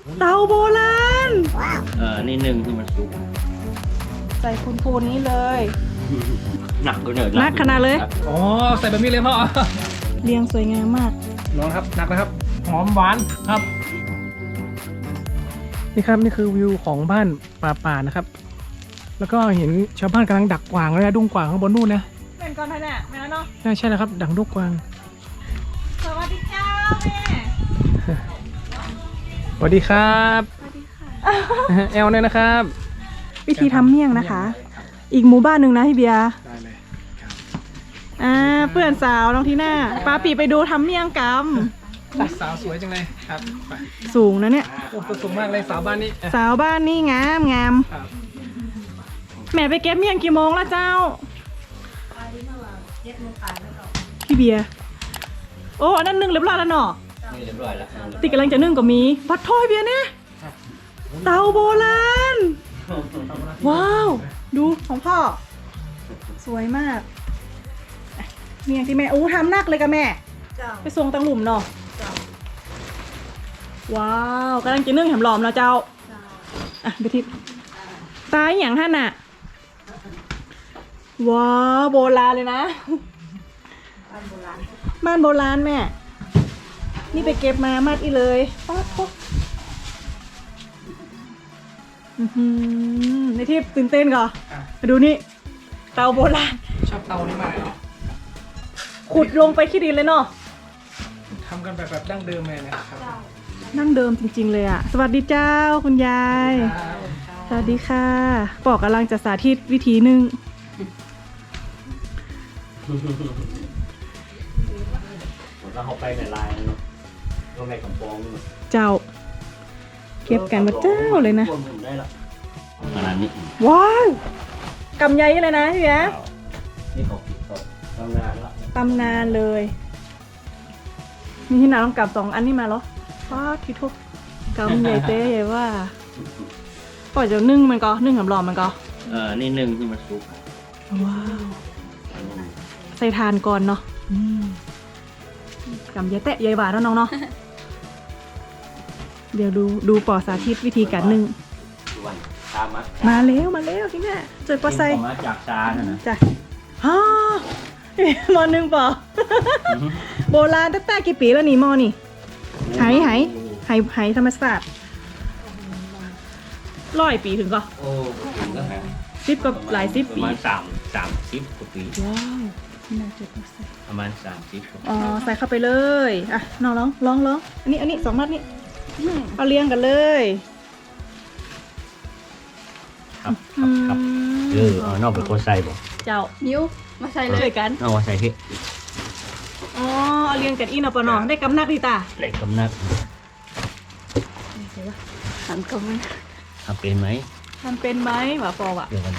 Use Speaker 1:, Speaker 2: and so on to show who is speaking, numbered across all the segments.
Speaker 1: เตาโบราณ
Speaker 2: นี่หนึ่งคือมันสุก
Speaker 1: ใส่พูนๆนี้เลย
Speaker 2: หนักก็เหนื่อย
Speaker 1: หนักขนาดเลย
Speaker 3: อ๋อใส่แบบนี้เลยพ่อ
Speaker 1: เรียงสวยงามมาก
Speaker 3: น้องครับหนักนะครับหอมหวานครับนี่ครับนี่คือวิวของบ้านป่านะครับ แล้วก็เห็นชาวบ้านกำลังดักกวางเลยนะดุ้งกวางข้างบนนู่นนะ
Speaker 1: เป็นก่อนไปเนี่ยแม่เนาะ
Speaker 3: ใช่แล้วครับดักดุ้งกวาง
Speaker 1: สวัสดีเจ้าแม่
Speaker 3: สวัสดีครับแอลเนี่ยนะครับ
Speaker 1: วิธีทำเมี่ยงนะคะ อีกหมู่บ้านหนึ่งนะพี่เบียร์
Speaker 3: ได้เลยครับ
Speaker 1: เพื่อนสาวน้องทีน่าป้าปีไปดูทำเมี่ยงก
Speaker 3: สาวสวยจังเลยครับไป
Speaker 1: ำสูงนะเนี่ย
Speaker 3: โอ้ตัวสูงมากเลยสาวบ้านนี้
Speaker 1: สาวบ้านนี่งามงาม
Speaker 3: ครับ
Speaker 1: แม่ไปเก็บเมี่ยงกี่โมงแล้วเจ้าพี่เบียร์โอ้อันนั้นนึ่งเรียบร้อยแล้วเนาะ
Speaker 2: นี่เรียบร้อยแล้ว
Speaker 1: ติกำลังจะนึ่งก็มีบัดถ้อยเบียร์เนี่ยเตาโบราณว้าวดูของพ่อสวยมากเมี่ยงที่แม่อู้ทำหนักเลยกับแม่ไปส่งตังหลุมเนาะว้าวกำลังจะนึ่งแหมหลอมแล้วเจ้าอ่ะไปทิพตายอย่างท่านน่ะว้าวโบราณเลยนะบ้านโบราณแม่นี่ไปเก็บมามัดอีเลยป๊าดป๊าดในที่ตื่นเต้นก่อนมาดูนี่เตาโบราณ
Speaker 3: ชอบเตานี้มากเลย
Speaker 1: ขุดลงไปขี้ดินเลยเนาะ
Speaker 3: ทำกันแบบดั้งเดิมเลยนะครับ
Speaker 1: นั่งเดิมจริงๆเลยอ่ะสวัสดีเจ้าคุณยายสวัสดีค่ะปอกกำลังจะสาธิตวิธีนึ่ง
Speaker 2: เราเข้าไปในลายเนาะก็ในกำปองนี่
Speaker 1: เจ้าเก็บกันมาเจ้าเลยนะ
Speaker 2: ได้ละขนาดนี้
Speaker 1: ว้าวกำใหญ่เลยนะพี่แอ๊ะ
Speaker 2: นี่เขาปิดเขาทำงานละ
Speaker 1: ตำนานเลยนี่ที่นาต้องกลับ2 อันนี้มาเหรอป้าที่ทุกกำใหญ่เต้ใหญ่ว่าปล่อยจะนึ่งมันก็นึ่งกับหลอมมันก็
Speaker 2: นี่หนึ่งคือมันสุก
Speaker 1: ว้าวใส่ทานก่อนเนาะกำใหญ่แตะใหญ่หวานเนาะน้องเนาะ เดี๋ยวดูปอสาธิตวิธีการนึ่ง
Speaker 2: ส่วนตามมัด
Speaker 1: มาแล้วที่แม่เจอปอไซ
Speaker 2: มาจากจานะ
Speaker 1: จ้ะฮ่า มอหนึ่งปอ โบราณตั้งแต่กี่ปีแล้วนี่มอนี่ไหธรรมศาสตร์100 ปีถึงก็
Speaker 2: โอ้ถึงแล้วฮะ
Speaker 1: 10ก็หลาย10
Speaker 2: ประ
Speaker 1: ปี
Speaker 2: มาณ30 กว่าปี
Speaker 1: ว้าวน่าจะปอไซ
Speaker 2: ประมาณ30 กว่า
Speaker 1: อ๋อใส่เข้าไปเลยอ่ะน้องลองอันนี้2 มัดนี่เอาเรียงกันเลย
Speaker 2: ครับเอานอกเป็นคนใส่บ่
Speaker 1: เจ้า
Speaker 4: นิ้วมาใส่เลย
Speaker 1: ช่วยกัน
Speaker 2: เอาใส่ที่
Speaker 1: อ๋อเอาเรียงกันอีนอปะเนอได้กำนักดีตา
Speaker 2: เหล็กกำนัด
Speaker 4: หันก็ไม่
Speaker 2: ทำเป็นไหม
Speaker 1: ทำเป็นไหมหมาปออ่ะ
Speaker 2: เดี๋ยวกันเลย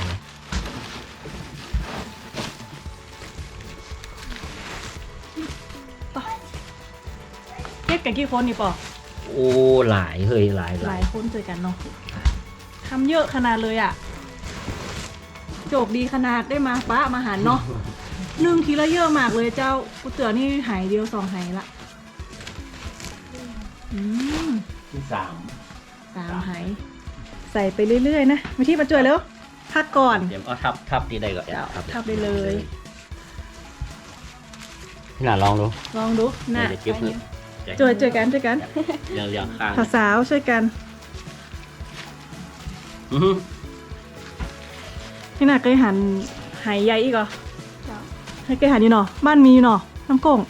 Speaker 1: เก็บกันกี่คนนี่ปอ
Speaker 2: โอ้หลายเฮ้ยหลาย
Speaker 1: หลายคนเจอกันเนาะทำเยอะขนาดเลยอ่ะโจกดีขนาดได้มาป้ามาหารเนาะนึ่งทีละเยอะมากเลยเจ้ากูเตือนี่หายเดียว2 หายละ
Speaker 2: ที่
Speaker 1: 3 หายใส่ไปเรื่อยๆนะมาที่ประจวยแล้วพักก่อน
Speaker 2: เดี๋ยวเอาทับที่ใดก่อน
Speaker 1: เจ้าทับได้เลย
Speaker 2: พี่หน่าลองดู
Speaker 1: ลองดูน่ะ
Speaker 2: เดี๋ยวเก็บมือ
Speaker 1: ช่วยกัน
Speaker 2: เรียงข้าง
Speaker 1: สาวๆช่วยกันพี่น่ะเคยหันหายใหญ่อีกเหรอให้เคยหันอยู่เนาะบ้านมีอยู่เนาะน้ำกง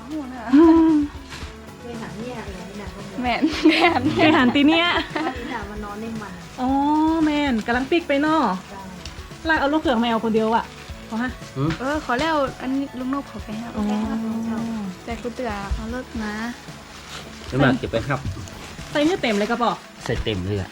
Speaker 4: แม่น
Speaker 1: เคยหันตีเนี้ย
Speaker 4: มานอนในมัน
Speaker 1: อ๋อแมนกำลังปิกไปเนาะลากเอาลูกเขือกแมวคนเดียวอ่ะขอฮะ
Speaker 4: ขอแล้วอันนี้ลุงนกขอไปให้
Speaker 1: อ๋อ
Speaker 4: แต่กูเตือเอาเลิกนะ
Speaker 2: น้ำหนักเก็บไปครับ
Speaker 1: ใส่เนื้อเต็มเลยกระป๋อ
Speaker 2: ใส่เต็มเลยอ่ะ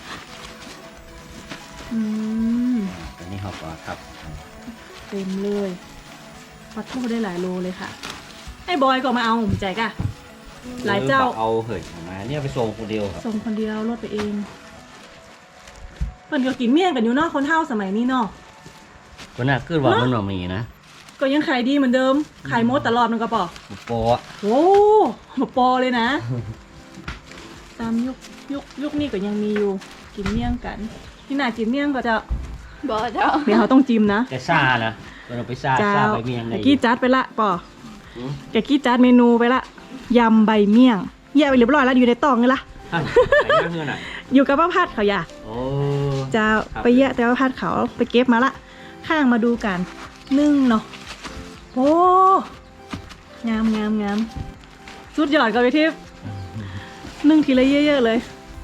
Speaker 1: อืม
Speaker 2: ตอนนี้เขาก็ทับ
Speaker 1: เต็มเลยปัดทูได้หลายโลเลยค่ะไอ้บอยก็มาเอาผมใจกะหลายเจ้า
Speaker 2: เอาเหยออกมาเนี่ยไปส่งคนเดียวครับ
Speaker 1: ส่งคนเดียวรถไปเองเพิ่นก็กินเมี่ยงกันอยู่เนาะคนเฒ่าสมัยนี้เนาะ
Speaker 2: ก็น่าขึ้นว่ามันมีนะ
Speaker 1: ก็ยังขายดีเหมือนเดิมขายหมดตลอดมันกระป๋อ
Speaker 2: โปะ
Speaker 1: โอ้มาปอเลยนะ สตามยุคนี้ก็ยังมีอยู่กินเมี่ยงกันที่ไหนกินเมี่ยงก็จะ
Speaker 4: บ่เจ้า
Speaker 1: เดี๋ยวเขาต้องจิ้มนะ
Speaker 2: แต่ซ่านะเราไปซ่า
Speaker 1: เจ้า
Speaker 2: ซ่าใบเมียงได้
Speaker 1: ตะกี้จัดไปละป่อ
Speaker 2: อืม
Speaker 1: ตะกี้จัดเมนูไปละยำใบเมี่ยงแยกไปเรียบร้อยแล้วอยู่ในตองนี่ละ
Speaker 2: ท่านไหนย่างเงื่อนอ่ะ
Speaker 1: อยู่กับป้าพัดเขาอยาก
Speaker 2: โอ้
Speaker 1: จะ
Speaker 2: ครับ
Speaker 1: ไปแยะแต่ป้าพัดเขาไปเก็บมาละข้างมาดูกันนึ่งเนาะโอ้งามสุดยอดกับไปทิพย์นึ่งทีละเยอะๆเลย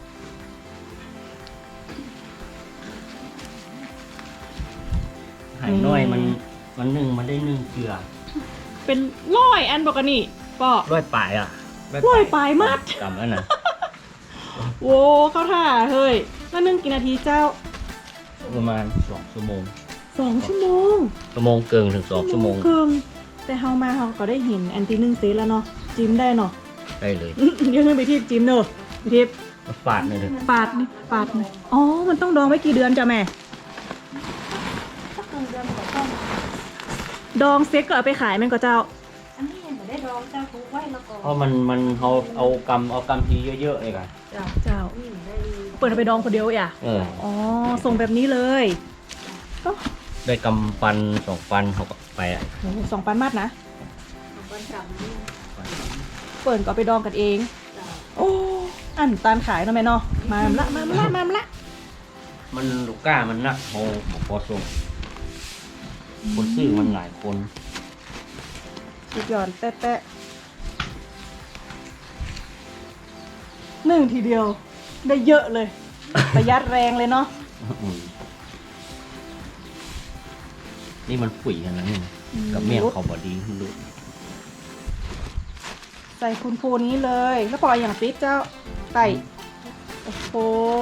Speaker 2: ไห่น้อยมันนึ่งมันได้นึ่งเกลือ
Speaker 1: เป็นร้อยอันปกติป่อ
Speaker 2: ร้อยปลายอ่ะ
Speaker 1: ร้อยปลายมัด
Speaker 2: กำแล้วนะ
Speaker 1: โว้เข้าท่าเฮ้ยแล้วนึ่งกี่นาทีเจ้า
Speaker 2: ประมาณ2 ชั่วโมง
Speaker 1: 2 ชั่วโมง
Speaker 2: ชั่วโมงเกินถึง2 ชั่วโมง
Speaker 1: ครึ่งแต่เฮามาเฮาก็ได้เห็นอันที่นึ่งเซตแล้วเนาะจิ้มได้เนาะ
Speaker 2: ได้เลย
Speaker 1: เดี๋ยวนึงไปที่จิ้มเนอะไปที่
Speaker 2: ฝาดเลยเลย
Speaker 1: ปาดนี่ปาดนี่อ๋อมันต้องดองไว้กี่เดือนจ้ะแม่ดองเซ็ตก็เอาไปขายแม่นก็เจ้า
Speaker 4: อันนี้ยังไม่ได้ร้องเจ้าทุกไว้แล้วก็
Speaker 2: เพราะมันเขาเอากำทีเยอะๆเลยกัน
Speaker 1: เจ้าเปิดเอาไปดองคนเดียวอ่ะ อ๋อส่งแบบนี้เลยก็
Speaker 2: ได้กำปัน2 ปันเขาก็ไปอ่ะ
Speaker 1: โอ้โห2 ปันมัดนะ
Speaker 4: วันจันทร์นี่
Speaker 1: เปิดก็เอาไปดองกันเอง โอ้อันตานขายเนาะแม่เนาะมาละ
Speaker 2: มันลูกก้ามันนักเขาบอกพอส่งคนซื้อมันหลายคน
Speaker 1: สุดยอดแตะหนึ่งทีเดียว ได้เยอะเลย ประหยัดแรงเลยเนาะ
Speaker 2: นี่มันฝุ่ยกันนะนี่นะกับเมี่ยงเขาบอดีขึ้นดู
Speaker 1: ใส่คุณโฟนี้เลยแล้วปล่อยอย่างปิดเจ้าไก่โอ้โห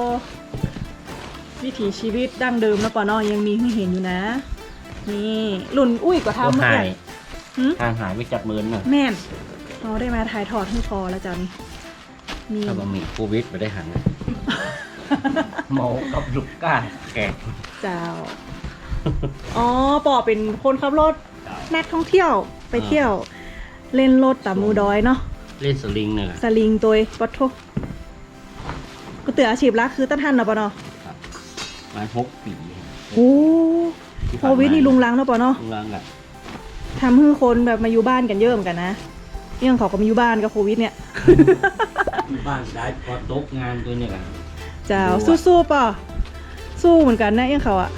Speaker 1: วิถีชีวิตดั้งเดิมแล้วปอนอยังมีให้เห็นอยู่นะ นี่รุ่นอุ้ยกว่า
Speaker 2: ก็
Speaker 1: ทำเมื่อ
Speaker 2: หา
Speaker 1: ไหร่
Speaker 2: ยห่างหายไปจัดมือน่ะ
Speaker 1: แม่นเราได้มาถ่ายทอดให้พอแล้วจ้ะนี่มี
Speaker 2: ถ้ามันมีโควิดไปได้หันเมากับลูกก้าแขก
Speaker 1: เจ้า อ๋อปอเป็นคนขับรถนักท่องเที่ยวไปเที่ยว เล่นรถตามหมูดอยเนาะ
Speaker 2: เล่นสลิงเนี่ย
Speaker 1: สลิงตัวปัทโทก็เตืออาชีพละคือตั้นทันเนาะปะเนาะ
Speaker 2: มา6 ปี
Speaker 1: โอ้โควิดนี่ลุงลังเนาะปะเนาะ
Speaker 2: ลุงลังอ่ะ
Speaker 1: ทำให้คนแบบมาอยู่บ้านกันเยอะเหมือนกันนะเรื่องเขาก็มาอยู่บ้านกับโควิดเนี่ย
Speaker 2: บ้านได้พอตกงานตัวเนี่ยกัน
Speaker 1: เจ้าสู้ๆป่ะสู้เหมือนกันนะเรื่องเขาอะ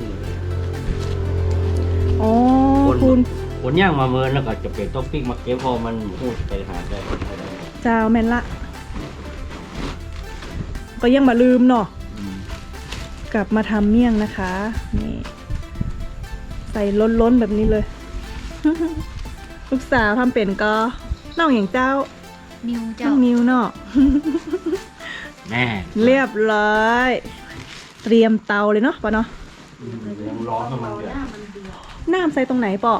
Speaker 1: อ๋อคุณ
Speaker 2: คนย่างมาเมินแล้วก็จะเป็นต้องปิ้งมาเก็บพอมันพูดไปหาได้
Speaker 1: เจ้าแม่นละ ก็ยังมาลืมเนาะกลับมาทำเมี่ยงนะคะนี่ใส่ล้นๆแบบนี้เลย ลูกสาวทำเป็นก็น้องอย่างเจ้า
Speaker 4: นิว
Speaker 1: น้
Speaker 4: เจ้า
Speaker 1: องนิวเนาะ
Speaker 2: แน่
Speaker 1: เรียบร้อย เตรียมเตาเลยเนาะปะเนาะ
Speaker 2: ยังร้อนมันเดือด
Speaker 1: น้ำใส่ตรงไหนปอ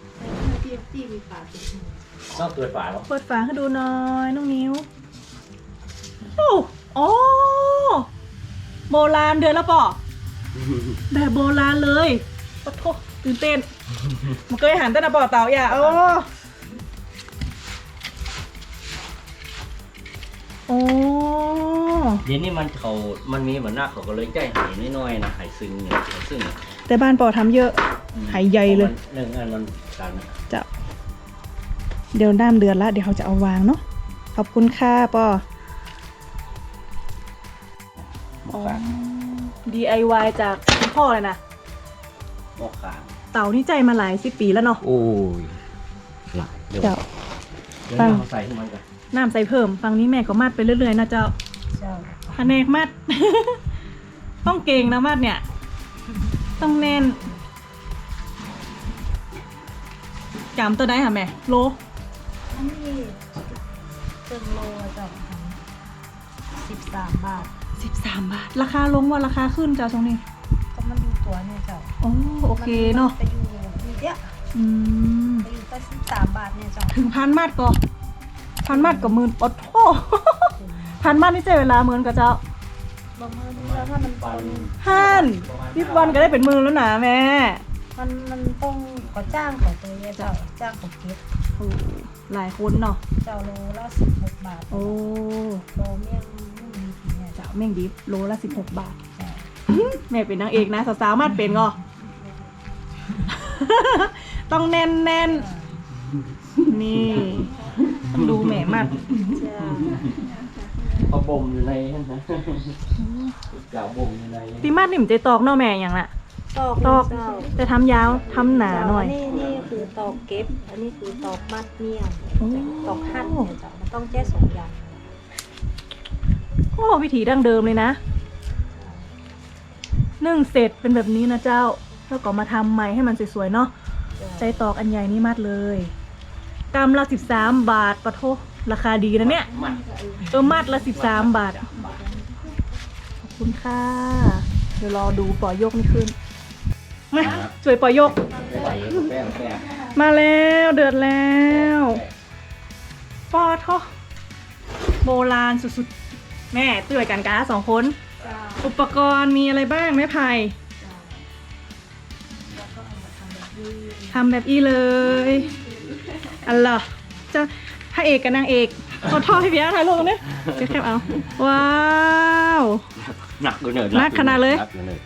Speaker 2: ต้องเปิดฝาหรอ
Speaker 1: เปิดฝาให้ดูหน่อยน้องนิวโอ้โอ้โบราณเดือนแล้วปอแบบโบราณเลยปะโทตื่นเต้น มันเคยหันแต่นะปอเตาอย่าโอ้
Speaker 2: เดี๋ยวนี้มันมีเหมือนหน้าเขาก็เลยใจหายน้อยๆนะหายซึ้งเนี่ยหายซึ้ง
Speaker 1: แต่บ้านปอทำเยอะหายใหญ่เลย
Speaker 2: หนึ่งอันมันกัน
Speaker 1: จะเดี๋ยวน้ำเดือนละเดี๋ยวเขาจะเอาวางเนาะขอบคุณค่ะปอ
Speaker 2: หมกขาง
Speaker 1: DIY จากคุณพ่อเลยนะ
Speaker 2: หมกขาง
Speaker 1: เต่านี่ใจมาหลาย10 ปีแล้วเนาะ
Speaker 2: โอ้ยหลายเดี๋ยว
Speaker 1: เจ้า
Speaker 2: เราใส่ให้มันกัน
Speaker 1: น้ำใส่เพิ่มฝั่งนี้แม่ก็มัดไปเรื่อยๆนะเจ้าแผนกมัด ต้องเก่งนะมัดเนี่ย ต้องแน่นจำตัวได้ค่ะแม่โล
Speaker 4: อันนี้เป็นโลเจ้า13 บาท
Speaker 1: 13 บาท ราคาลงว่าราคาขึ้นเจ้าช่วงนี้
Speaker 4: ก็มันดูตัวเนี่ยเจ้า
Speaker 1: โอเคเนาะ
Speaker 4: ไปอยู่เยอะ
Speaker 1: อืม
Speaker 4: ไปอยู่ก็13 บาทเนี่ยเจ้า
Speaker 1: ถึงพันมัดก็พันมัดกับหมื่นอดโท พันมัดนี่ใจเวลาหมื่นกับเจ้า
Speaker 4: บางมื้อนี้แล้วถ้ามันคน
Speaker 1: วันก็ได้เป็นหมื่นแล้วนะแม่
Speaker 4: มันต้องก็จ้างของตัวเนี่ยเจ้าจ้างของเก็บ
Speaker 1: โอ้หลายคนเนาะ
Speaker 4: เจ้าโลละ16 บาท
Speaker 1: โอ้
Speaker 4: โลเมี่ยง
Speaker 1: แม่งดิบโลละ16 บาท แม่เป็นนางเอกนะสาวๆมาดเป็นงอ ต้องแน่นๆนี่ต้องดูแม่มัด
Speaker 4: จ้า
Speaker 2: เขาบ่มอยู่ในนั่นนะกาวบ่มอยู่ใน
Speaker 1: ตีมัดนี่มันจะตอกเนาะแม่อย่างน่ะ ตอก
Speaker 4: เจ้า
Speaker 1: จะทำยาวทำหนาหน่อย
Speaker 4: นี่คือตอกเก็บ อันนี้คือตอกมัดเนี่ย
Speaker 1: โอ้
Speaker 4: ตอกหั่นเนี่ยเจ้ามันต้องแก้2 อย่าง
Speaker 1: โอ้วิธีดั้งเดิมเลยนะนึ่งเสร็จเป็นแบบนี้นะเจ้าแล้วก็มาทำใหม่ให้มันสวยๆเนาะใจตอกอันใหญ่นี่มัดเลยกำละ13 บาทปะโทราคาดีนะเนี่ย
Speaker 2: มัด
Speaker 1: มัดละ13 บาทขอบคุณค่ะเดี๋ยวรอดูปล่อยยกนี่ขึ้นมาสวยปล่อยยก
Speaker 2: แป้ง
Speaker 1: มาแล้วเดือดแล้วปอทอโบราณสุดๆแม่ตื่นกันกา2 คนอุปกรณ์มีอะไรบ้างแม่ไผ่ทำแบบนี้เลยอัลล่ะจะพระเอกกับนางเอกเขาทอดให้พี่อาถ่ายรูปกันเนี่ยจะแคบเอาว้าว
Speaker 2: หนักเลย
Speaker 1: หนักขนาดเลย
Speaker 2: หนักเลย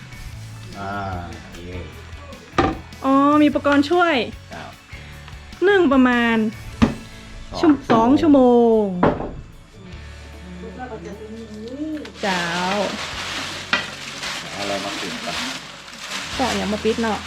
Speaker 2: เย่
Speaker 1: อ๋อมีอุปกรณ์ช่วย
Speaker 2: ครับ
Speaker 1: นึ่งประมาณ2 ชั่วโมงเจ้า
Speaker 2: เอาอะไรมาปิดก่อน
Speaker 1: เจาะอย่างมาปิดเนาะ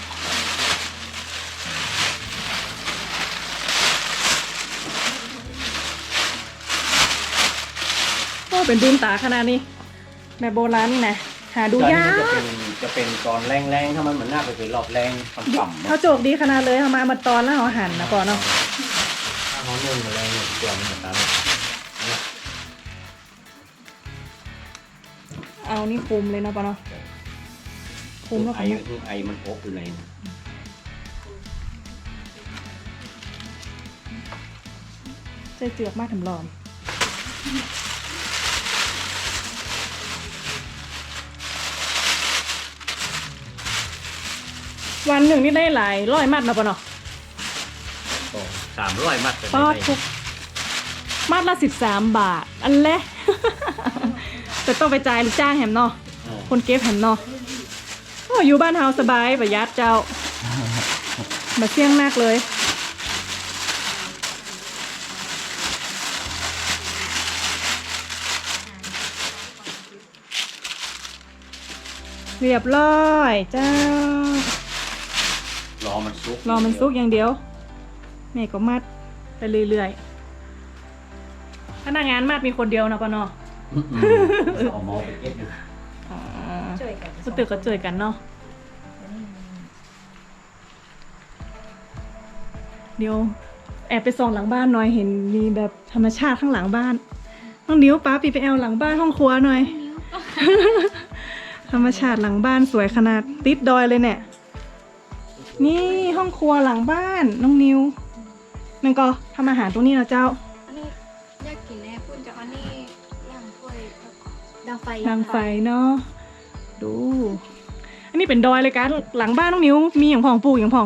Speaker 1: โอ้เป็นดุนตาขนาดนี้แบบโบราณนี่นะหาดูยาก
Speaker 2: จะเป็นตอนแรงๆถ้ามันเหมือนหน้าไปเป็นรอบแรงต่ำๆ
Speaker 1: เขาโจกดีขนาดเลยเอามาตอนแล้วเอาหั่นนะก่อนเนาะ
Speaker 2: ถ้าเขานึ่งมาแรงเนี่ยตัวมันเหมือนกัน
Speaker 1: เอานี่คุมเลยเนาะปะเนาะคุมแล้ว
Speaker 2: ไอ
Speaker 1: ก็
Speaker 2: ไอมันพกอยู่ใน
Speaker 1: ใจเจือกมากถึงหลอมวันหนึ่งนี่ได้หลายร้อยมัดเนาะปะเนาะ
Speaker 2: 300 มัด
Speaker 1: ปอดทุกมัดละ13 บาท อันแรก แต่ต้องไปจ่ายลูกจ้างแหมเนาะคนเก็บแหมเนาะโอ้อยู่บ้านเฮาสบายประหยัดเจ้ามาเสี่ยงมากเลย เรียบร้อยเจ้าร
Speaker 2: อมันซุก
Speaker 1: รอมันซุกอย่างเดียวแม่ก็มัดไปเรื่อยๆพนักงานมัดมีคนเดียวนะปะเนาะ
Speaker 2: เอามอไปเก็บอยู่
Speaker 1: อ๋อ
Speaker 4: ช่วยกัน
Speaker 1: สุดตึกก็เจอกันเนาะเดี๋ยวแอบไปส่องหลังบ้านหน่อยเห็นมีแบบธรรมชาติข้างหลังบ้านน้องนิ้วป้าปีไปแอลหลังบ้านห้องครัวหน่อย ธรรมชาติหลังบ้านสวยขนาดติดดอยเลยเนี่ยนี่ห้องครัวหลังบ้านน้องนิวมันก็ทำอาหารตรงนี้นะเจ้า
Speaker 5: อันนี้อยากกินแน่คุณจะอันนี้ย่างถ้วยแล้วก็
Speaker 4: ดังไฟ
Speaker 1: ทางไฟเนาะดู อันนี้เป็นดอยเลยกันหลังบ้านน้องนิวมีอย่างพองปลูกอย่างพอง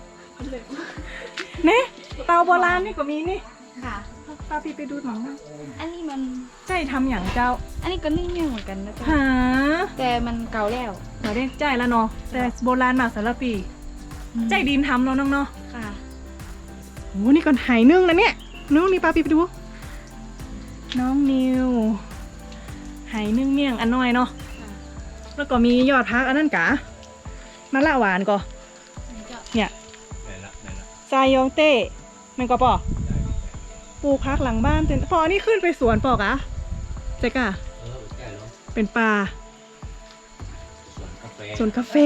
Speaker 1: เนี่ยเตาโบราณนี่ก็มีนี่
Speaker 5: ค่ะ
Speaker 1: ป้าพี่ไปดูหน่อยนะ
Speaker 5: อันนี้มัน
Speaker 1: ใจทำอย่างเจ้า
Speaker 5: อันนี้ก็นึ่งย่างเหมือนกันนะจ๊ะ
Speaker 1: หา
Speaker 5: แต่มันเก่าแล้ว
Speaker 1: เราได้ใจแล้วเนาะแต่โบราณมากสารปีใจดินทำเนาะน้องเนาะ
Speaker 5: ค่ะ
Speaker 1: โอ้นี่ก่อนหายนึ่งนะเนี่ยนึ่งนี่ป้าพี่ไปดู น้องนิวหายนึ่งเมี่ยงอันน้อยเนาะแล้วก็มียอดพักอันนั้นกะมะละหวานก็
Speaker 5: นี่จะ
Speaker 1: เนี่ย
Speaker 2: ไหนละ
Speaker 1: ซายองเต้มันก็ปอปลูกพักหลังบ้านเต็มพออันนี้ขึ้นไปสวนปอกะเจ๊กะ
Speaker 2: ใกล้แล้ว
Speaker 1: เป็นป่า
Speaker 2: สวนกาแฟ
Speaker 1: สวนกาแฟ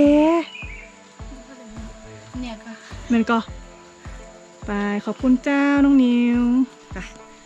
Speaker 5: เนี่ยค่ะ
Speaker 1: มันก็ไปขอบคุณเจ้าน้องนิวไป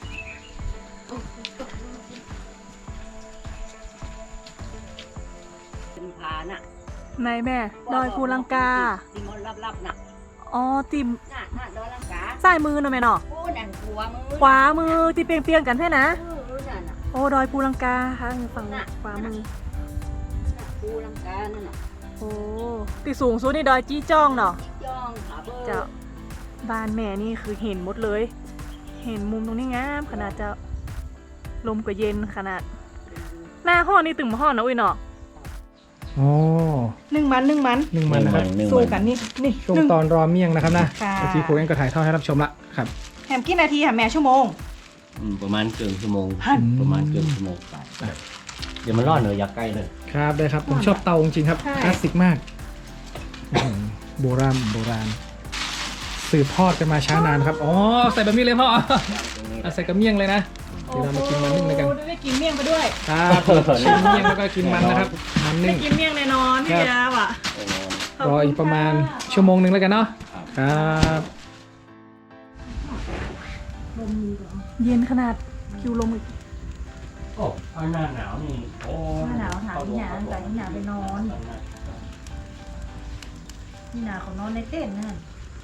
Speaker 6: เป็นผาน่ะ
Speaker 1: นายแม่ดอยภูลังกา
Speaker 6: ที่มันลับๆน่ะ
Speaker 1: อ๋อติม
Speaker 6: น่ะดอยลังกา
Speaker 1: ซ้ายมือหน่อยแม่เนาะ
Speaker 6: โอ้นั่นหัวมือ
Speaker 1: ขวามือที่เปียงๆกันใช่นะ
Speaker 6: นั่นน่ะ
Speaker 1: โอ้ดอยภูลังกาค่ะฝั่งขวามือ
Speaker 6: น่ะภูลังกานั่นน่ะ
Speaker 1: โอ้ที่สูงสุดนี่ดอยจี้จ้องเนาะ
Speaker 6: จิ๊กย่องผาเบอร์
Speaker 1: เจ้าบ้านแม่นี่คือเห็นหมดเลย เห็นมุมตรงนี้งามขนาดจะลมก็เย็นขนาดหน้าห่อนี่ตึงมาห่อนะอุ้ยเนาะ
Speaker 3: อ๋อ
Speaker 1: นึ่งมัน
Speaker 3: นึ่งมันนะครับ
Speaker 1: สู้กันนี่นี่
Speaker 3: ช่วง
Speaker 1: นึ่ง
Speaker 3: ตอนรอเมี่ยงนะครับนะ
Speaker 1: ค่ะ
Speaker 3: เมื่อกี้ครูเองก็ถ่ายทอดให้รับชมละครับ
Speaker 1: แฮมกี่นาทีค่ะแม่ชั่วโมง
Speaker 2: ประมาณเกินชั่วโมง
Speaker 1: หั่น
Speaker 2: ประมาณเกินชั่วโมงไปเดี๋ยวมันรอดเลยอยากใกล้เลย
Speaker 3: ครับได้ครับ ผมชอบเตาจริงๆครับ
Speaker 1: ใช่
Speaker 3: คลาสสิกมากอื้อหือโบราณสืบทอดกันมาช้านานครับอ๋อใส่แบบนี้เลยพ่อเอาใส่กับเมี่ยงเลยนะเดี๋ยวเรามากินมันนึ่งเลยกัน
Speaker 1: โอ้ได้กินเมี่ยงไปด้วย
Speaker 3: ครับกินเมี่ยงแล้วก็กินมันนะครับมัน
Speaker 1: ได้
Speaker 3: นึ่ง
Speaker 1: กินเมี่ยงแน่นอนพี่
Speaker 3: ครับ
Speaker 1: ยาว่ะ
Speaker 3: รออีกประมาณชั่วโมงหนึ่งแล้วกันเนาะครับ
Speaker 1: เย็นขนาดคิวลมอีก
Speaker 2: โอ้หน้าหนาวนี่โอ้
Speaker 4: หน้าหนาวหาที่หนาแต่ที่หนาไปนอนที่หนาเขานอนในเต็นท์นั่น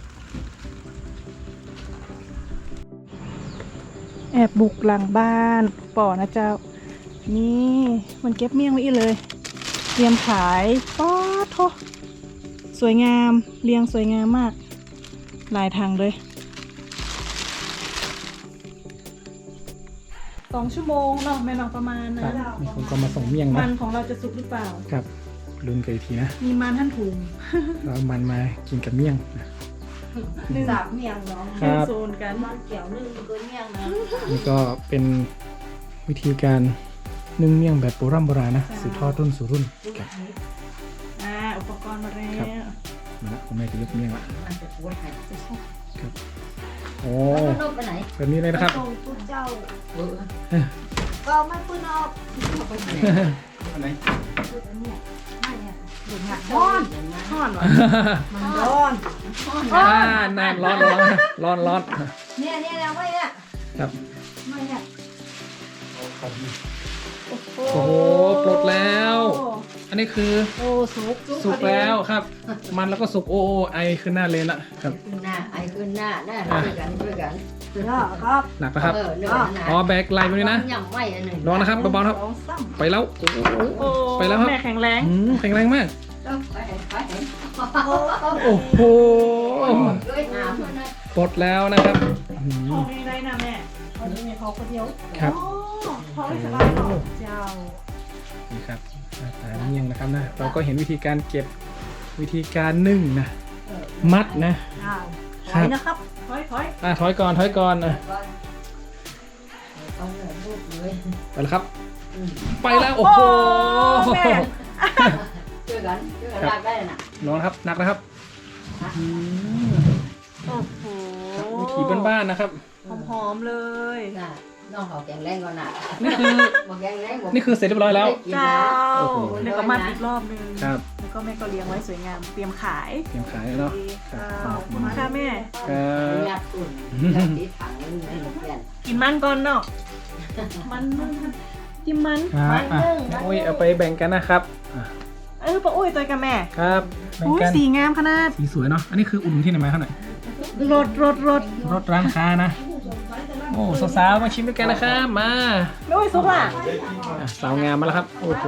Speaker 1: แอบบุกหลังบ้านป่อนะเจ้า นี่มันเก็บเมี่ยงไว้อีเลย เตรียมขายป๊อดโทสวยงามเรียงสวยงามมากหลายทางเลย2 ชั่วโมงเนาะแม่น้องประมาณ
Speaker 3: ครั
Speaker 1: นะ
Speaker 3: บนี่ผมก็มาส่งเมี่ยง
Speaker 1: มั
Speaker 3: นะ
Speaker 1: นของเราจะสุกหรือเปล่า
Speaker 3: ครับลุ้นกันอีกทีนะ
Speaker 1: มีมันท่านถุง
Speaker 3: เรามันมากินกับเมี่ยงนะ
Speaker 1: หนึ่ง
Speaker 4: สามเมียงเนาะ
Speaker 3: ครับ
Speaker 1: โซนกัน
Speaker 4: มันเกี่ยวนึ่งก็เมียงนะ
Speaker 3: นี่ก็เป็นวิธีการนึ่งเมี่ยงแบบโบราณนะสืบทอดรุ่นสู่รุ่นครับ
Speaker 1: อุปกรณ์มาแล้ว
Speaker 3: ครับ มาละผมแม่จะยกเมี่ยงละ
Speaker 4: มันจะปวดหัว
Speaker 3: ครับโอ้
Speaker 4: แล้วนกไปไหน
Speaker 3: แบบนี้เลยนะครับ
Speaker 4: ส่งตุ๊เจ้าก็ไม่ปืนออกเอาไปไหน
Speaker 3: อันไหน
Speaker 4: ปืนอันเนี้ยไม่เนี่ยเดี๋ยวเนี่ย
Speaker 1: ร้อนร้อนวะ
Speaker 4: มันร้อน
Speaker 3: น่าร้อนร้อน
Speaker 4: เนี่ยไม่เนี่ย
Speaker 3: ครับ
Speaker 4: ไม่เนี่ย
Speaker 3: โอ้โหปลดแล้ว อันนี้คือ
Speaker 1: โอ้สุก
Speaker 3: สุกแล้วครับ มันแล้วก็สุกโอ้ไอขึ้นหน้าเลยละครับ
Speaker 6: ขึ้นหน้าไอขึ้นหน้าช่วยกัน
Speaker 4: ครับ
Speaker 3: หนักนะครับ
Speaker 6: เนื้อหนา
Speaker 3: อ๋อแบกไหลไปด้วยนะ
Speaker 6: ยังไม่อันหนึ่ง
Speaker 3: ลองนะครับเบาๆครับ
Speaker 4: สองซ้
Speaker 3: ไปแล้วโอ้โห
Speaker 1: โอ้
Speaker 3: ไปแล้วครับ
Speaker 1: แม่แข็งแรง
Speaker 3: แข็งแรงมาก
Speaker 6: ไป
Speaker 3: โอ้โห
Speaker 6: ด้วยหนาเพื่อนนะ
Speaker 3: ปลดแล้วนะครับอืม
Speaker 1: ท้องนี้ได้นะแม่
Speaker 4: ำวันนี้มีเขาคนเดียว
Speaker 3: ครับ
Speaker 1: อ๋อท้องไม่สบายเหรอเจ้า
Speaker 3: นี่ครับหน้าตาเมี่ยงนะครับนะ เราก็เห็นวิธีการเก็บวิธีการนึ่งนะ มัดนะ
Speaker 4: ถอยนะครับ
Speaker 1: ถอย
Speaker 3: ถอยก่อนอ่ะ
Speaker 6: ต้องเหนือลูกเลย
Speaker 3: ไปแล้วครับ ไปแล้วโอ้โห
Speaker 1: แม่
Speaker 6: ช่วยกันลากได้น่ะ
Speaker 3: น้องครับหนักนะครับอืม
Speaker 1: โอ้โห
Speaker 3: วิธีบ้านๆนะครับ
Speaker 1: หอมๆเลย
Speaker 6: น่ะน้องเขาแข็งแรงก่อนน่ะ
Speaker 3: นี่คือ
Speaker 6: บอกแข็งแรงบอก
Speaker 3: นี่คือเสร็จเรียบร้อยแล้ว
Speaker 1: เจ้า
Speaker 3: โอ้โห
Speaker 1: เดี๋ยวก็มัดอีกรอบนึง
Speaker 3: ครับ
Speaker 1: แล้วก็แม่ก็เลี้ยงไว้สวยงาม เตรียมขาย
Speaker 3: เตรียมขายแล้วเนาะ
Speaker 1: ขอบคุณค่ะแม่
Speaker 3: ครับ
Speaker 6: ยัดตุ่นติดถังนี่เปลี่ยน
Speaker 1: กินมันก่อนเนาะ มันจิ้มมัน
Speaker 3: ครับอ่ะโอ้ยเอาไปแบ่งกันนะครับอ่ะ
Speaker 1: ป้าอุ้ยตัวกับแม่
Speaker 3: ครับแบ่ง
Speaker 1: อุ้ย
Speaker 3: กัน
Speaker 1: สีงามขนาด
Speaker 3: สีสวยเนาะอันนี้คืออุ่นที่ไหนมาครับหน่อย
Speaker 1: รถ
Speaker 3: รถร้านค้านะ โอ้สาวๆมาชิมด้วยกันนะครับมา
Speaker 1: ไม่อุ้ยซุกล่ะ
Speaker 3: อ่ะสาวงามมาแล้วครับ โอ้โห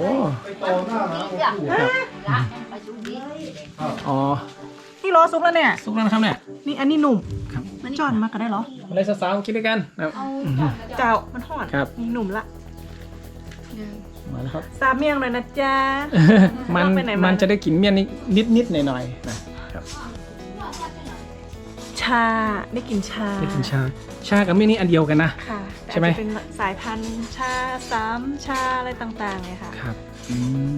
Speaker 6: ละไปดูดี
Speaker 3: อ๋อ
Speaker 1: นี่รอซุกแล้วเนี่ย
Speaker 3: สุกแล้วนะครับเนี่ย
Speaker 1: นี่อันนี้หนุ่ม
Speaker 3: ครับ
Speaker 1: มันจอนมาก็ได้เหรอ
Speaker 3: มาเลยสาวๆมากินด้วยกันนะครับ
Speaker 1: เจ้า มันห่อน
Speaker 3: ครับ
Speaker 1: นี่หนุ่มละ
Speaker 3: มาแล้วครับ
Speaker 1: ซาเมียงเลยนะจ๊ะ
Speaker 3: มัน
Speaker 1: ไปไหนมามั
Speaker 3: มันจะได้กลิ่นเมี่ยนนิดหน่อยๆนะครับ
Speaker 1: ชา ได้กลิ่นชา
Speaker 3: ได้กลิ่นชากับเมี่ยนนี่อันเดียวกันนะ
Speaker 1: ค่ะแต่
Speaker 3: ใช่ไหม
Speaker 1: อาจจะเป็นสายพันธุ์ชา3ชาอะไรต่างๆเลยค่ะ
Speaker 3: ครับอืม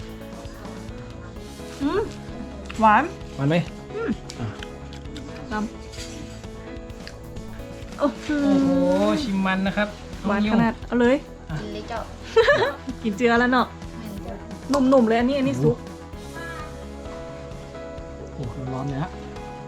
Speaker 1: หวาน
Speaker 3: หวานไหม
Speaker 1: น้ำโอ้โห
Speaker 3: โอ้โหชิมมันนะครับ
Speaker 1: หวานขนาด เอาเลย
Speaker 6: กินเลยเจ้า
Speaker 1: กินเจือแล้วเนาะหนุ่มๆเลยอันนี้ซุป
Speaker 3: โอ้โหร้อนเลยฮะ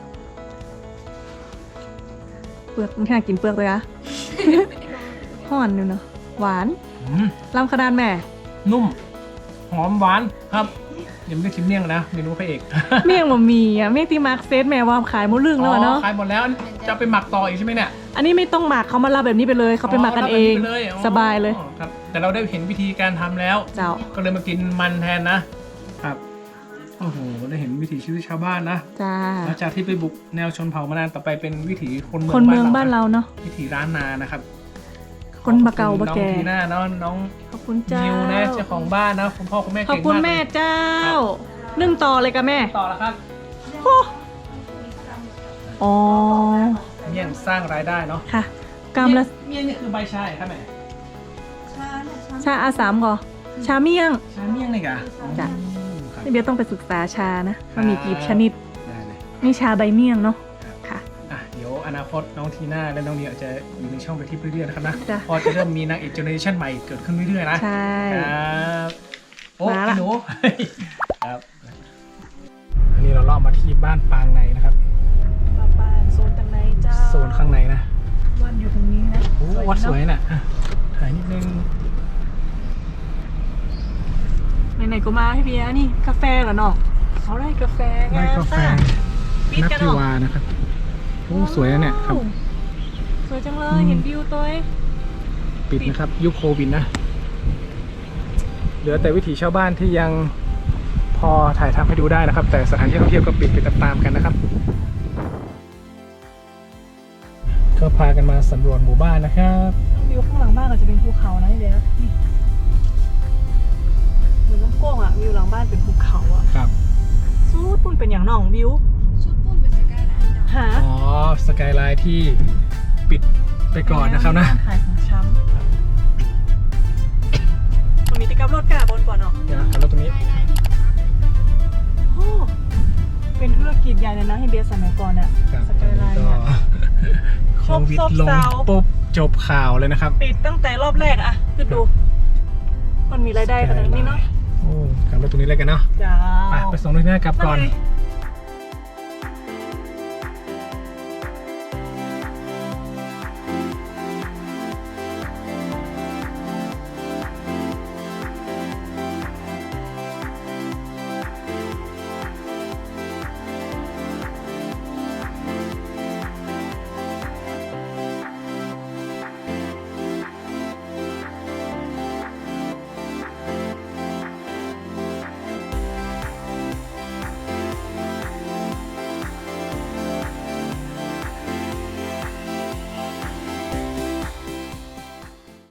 Speaker 1: เปลือกมันแค่กินเปลือกเลยอะ ห่อนอยู่เนาะหวาน
Speaker 3: อืม
Speaker 1: ลำขนาดแม่
Speaker 3: นุ่ม หอมหวานครับยังไม่ได้ชิมเมี่ยงนะเมนูพระเอก
Speaker 1: เมี่ยงบะหมี่อ่ะเมี่ยงที่มาร์คเซตแม่วามขายหมดเรื่องแล้วอะเนาะ
Speaker 3: ขายหมดแล้วจะไปหมักต่ออีกใช่ไหมเนี่ย
Speaker 1: อันนี้ไม่ต้องหมักเขามารับแบบนี้ไปเลยเขาไปหมักกันเอง
Speaker 3: ราแบบไปเลยอ๋อ
Speaker 1: สบายเลย
Speaker 3: ครับ แต่เราได้เห็นวิธีการทำแล้ว
Speaker 1: เจ้า
Speaker 3: ก็เลยมากินมันแทนนะครับโอ้โหได้เห็นวิถีชีวิตชาวบ้านนะ
Speaker 1: จ้า
Speaker 3: หลังจากที่ไปบุกแนวชนเผ่ามานานต่อไปเป็นวิถีคน
Speaker 1: คนเมือง
Speaker 3: เมือง
Speaker 1: บ้านเราเนาะ
Speaker 3: วิถีร้านนานะครับ เข
Speaker 1: คนบะเก่าบะแก่
Speaker 3: น้องทีน่าเนาะน้อง
Speaker 1: ขอบคุณเจ้า
Speaker 3: นิวนะเจ้าของบ้านนะคุณพ่อคุณแม่
Speaker 1: ขอบ
Speaker 3: เก่ง
Speaker 1: คุณ
Speaker 3: มาก
Speaker 1: แม่
Speaker 3: เลย
Speaker 1: เจ้านึ่งต่อเลยกับแม่
Speaker 3: ต่อแล้วครับ
Speaker 1: โอ้อ๋อ
Speaker 3: เมี่ยงสร้างรายได้เนาะ
Speaker 1: ค่ะกำละ
Speaker 3: เมี่ยงนี่คือใบชาครับแม่
Speaker 1: ชาอาสามก่อชาเมี่ยง
Speaker 3: ชาเมี่ยงเลยกะ
Speaker 1: จ้ะ
Speaker 3: ครับ
Speaker 1: นี่เบียร์ต้องไปศึกษาชานะมันมีกี่ชนิด
Speaker 3: ได้เลย
Speaker 1: นี่ชาใบเมี่ยงเนาะค่ะ
Speaker 3: อ่ะเดี๋ยวอนาคตน้องทีน่าและน้องนิวจะอยู่ในช่องไปที่เรื่อยๆนะครับนะ
Speaker 1: จ้ะ
Speaker 3: พอจะเริ่มมีนางเอกเจเนอเรชั่นใหม่เกิดขึ้นเรื่อยๆนะ
Speaker 1: ใช่
Speaker 3: ครับโอ้
Speaker 1: มาละ
Speaker 3: พี่หนู ครับอันนี้เราล่อมาที่บ้านปางในนะครับ
Speaker 1: บ้านโซนตรงไหนเจ้า
Speaker 3: โซนข้างในนะ
Speaker 1: วัดอยู่ตรงนี้นะ
Speaker 3: โอ้วัดสวยน่ะอ่ะถ่ายนิดนึง
Speaker 1: ไหนๆก็มาให้เบียร์นี่กาแฟเหรอเนาะเอาได้กาแฟ
Speaker 3: ไร่กาแฟ
Speaker 1: ปิด
Speaker 3: นั
Speaker 1: กัน
Speaker 3: ทิ
Speaker 1: เนาะ
Speaker 3: วานะครับโอ้สวยนะเนี่ยครับ
Speaker 1: สวยจังเลยเห็นวิวตัวเอง
Speaker 3: ปิดนะครับยุคโควิดนะ เหลือแต่วิถีชาวบ้านที่ยังพอถ่ายทำให้ดูได้นะครับ แต่สถานที่ท่องเที่ยวก็ปิดไปตามๆกันนะครับ ก็พากันมาสำรวจหมู่บ้านนะครับ
Speaker 1: วิวข้างหลังบ้านก็จะเป็นภูเขานะพี่เบียร์นี่เหมือนน้ำโก้งอะวิวหลังบ้านเป็นภูเขาอะ
Speaker 3: ครับ
Speaker 1: ซูดปุ่นเป็นอย่างหน่องวิว
Speaker 5: ชุดปุ้นเป็นสกายไลน์เจ้า
Speaker 1: หา
Speaker 3: อ๋อสกายไลน์ที่ปิดไปก่อนนะครับนะ
Speaker 1: ขายของช้ำตรงนี้ติดกับรถกระบนก่อนเนาะ
Speaker 3: เดี๋ยวนะครับแล้วตรงนี้
Speaker 1: โอ้เป็นธุรกิจใหญ่เลยนะให้เบียร์สมัยก่อนอะ
Speaker 3: ครับ
Speaker 1: สกายไลน์
Speaker 3: ก็
Speaker 1: เนี่ย
Speaker 3: โควิด
Speaker 1: ซบ
Speaker 3: ลง
Speaker 1: เซา
Speaker 3: ปุ๊บจบข่าวเลยนะครับ
Speaker 1: ปิดตั้งแต่รอบแรกอะคือดู มันมีรายได้ขนาดนี้เนาะ
Speaker 3: โอ้กลับมาตรงนี้เลยกันเนาะ
Speaker 1: จ้า
Speaker 3: ไปส่งด้วยหน้ากลับก่อน
Speaker 1: มาเลย